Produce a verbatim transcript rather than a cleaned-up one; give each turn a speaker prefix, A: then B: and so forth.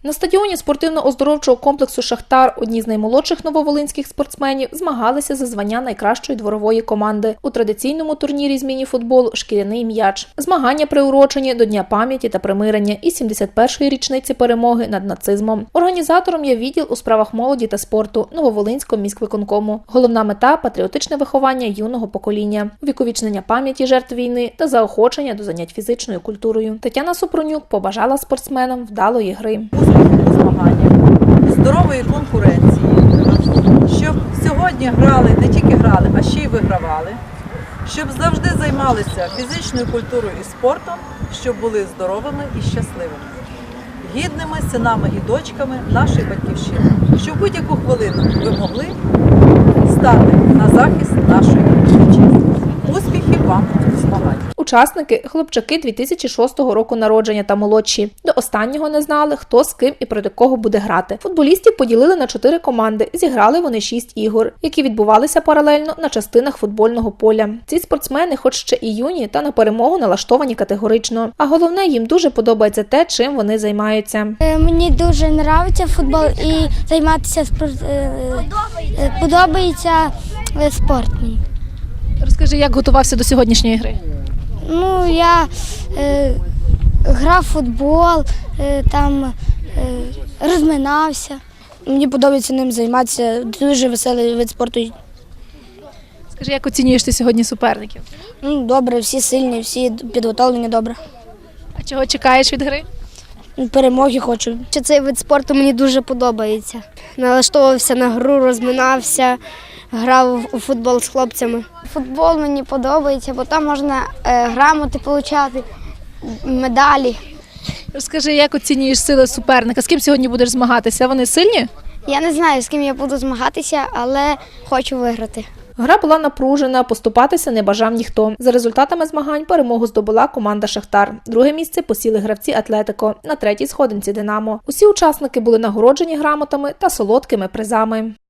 A: На стадіоні спортивно-оздоровчого комплексу «Шахтар» одні з наймолодших нововолинських спортсменів змагалися за звання найкращої дворової команди у традиційному турнірі з міні-футболу «Шкіряний м'яч». Змагання приурочені до Дня пам'яті та примирення і сімдесят першої річниці перемоги над нацизмом. Організатором є відділ у справах молоді та спорту Нововолинського міськвиконкому. Головна мета – патріотичне виховання юного покоління, увіковічнення пам'яті жертв війни та заохочення до занять фізичною культурою. Тетяна Супронюк побажала спортсменам вдалої гри.
B: Успіху у змаганнях, здорової конкуренції, щоб сьогодні грали, не тільки грали, а ще й вигравали, щоб завжди займалися фізичною культурою і спортом, щоб були здоровими і щасливими, гідними синами і дочками нашої батьківщини, щоб будь-яку хвилину ви могли стати на захист нашої вітчизни. Успіхів вам у змаганнях!
A: Учасники – хлопчаки дві тисячі шостого року народження та молодші. До останнього не знали, хто з ким і проти кого буде грати. Футболістів поділили на чотири команди. Зіграли вони шість ігор, які відбувалися паралельно на частинах футбольного поля. Ці спортсмени, хоч ще і юні, та на перемогу налаштовані категорично. А головне, їм дуже подобається те, чим вони займаються.
C: Мені дуже подобається футбол і займатися спорт. Подобається спорт мені.
A: Розкажи, як готувався до сьогоднішньої гри?
C: Ну, я е, грав в футбол, е, там е, розминався.
D: Мені подобається ним займатися, дуже веселий вид спорту.
A: Скажи, як оцінюєш ти сьогодні суперників?
D: Ну, добре, всі сильні, всі підготовлені добре.
A: А чого чекаєш від гри?
D: Перемоги хочу.
C: Цей вид спорту мені дуже подобається. Налаштовувався на гру, розминався, грав у футбол з хлопцями. Футбол мені подобається, бо там можна е, грамоти отримати, медалі.
A: Розкажи, як оцінюєш сили суперника? З ким сьогодні будеш змагатися? Вони сильні?
C: Я не знаю, з ким я буду змагатися, але хочу виграти.
A: Гра була напружена, поступатися не бажав ніхто. За результатами змагань перемогу здобула команда «Шахтар». Друге місце посіли гравці «Атлетико», на третій сходинці «Динамо». Усі учасники були нагороджені грамотами та солодкими призами.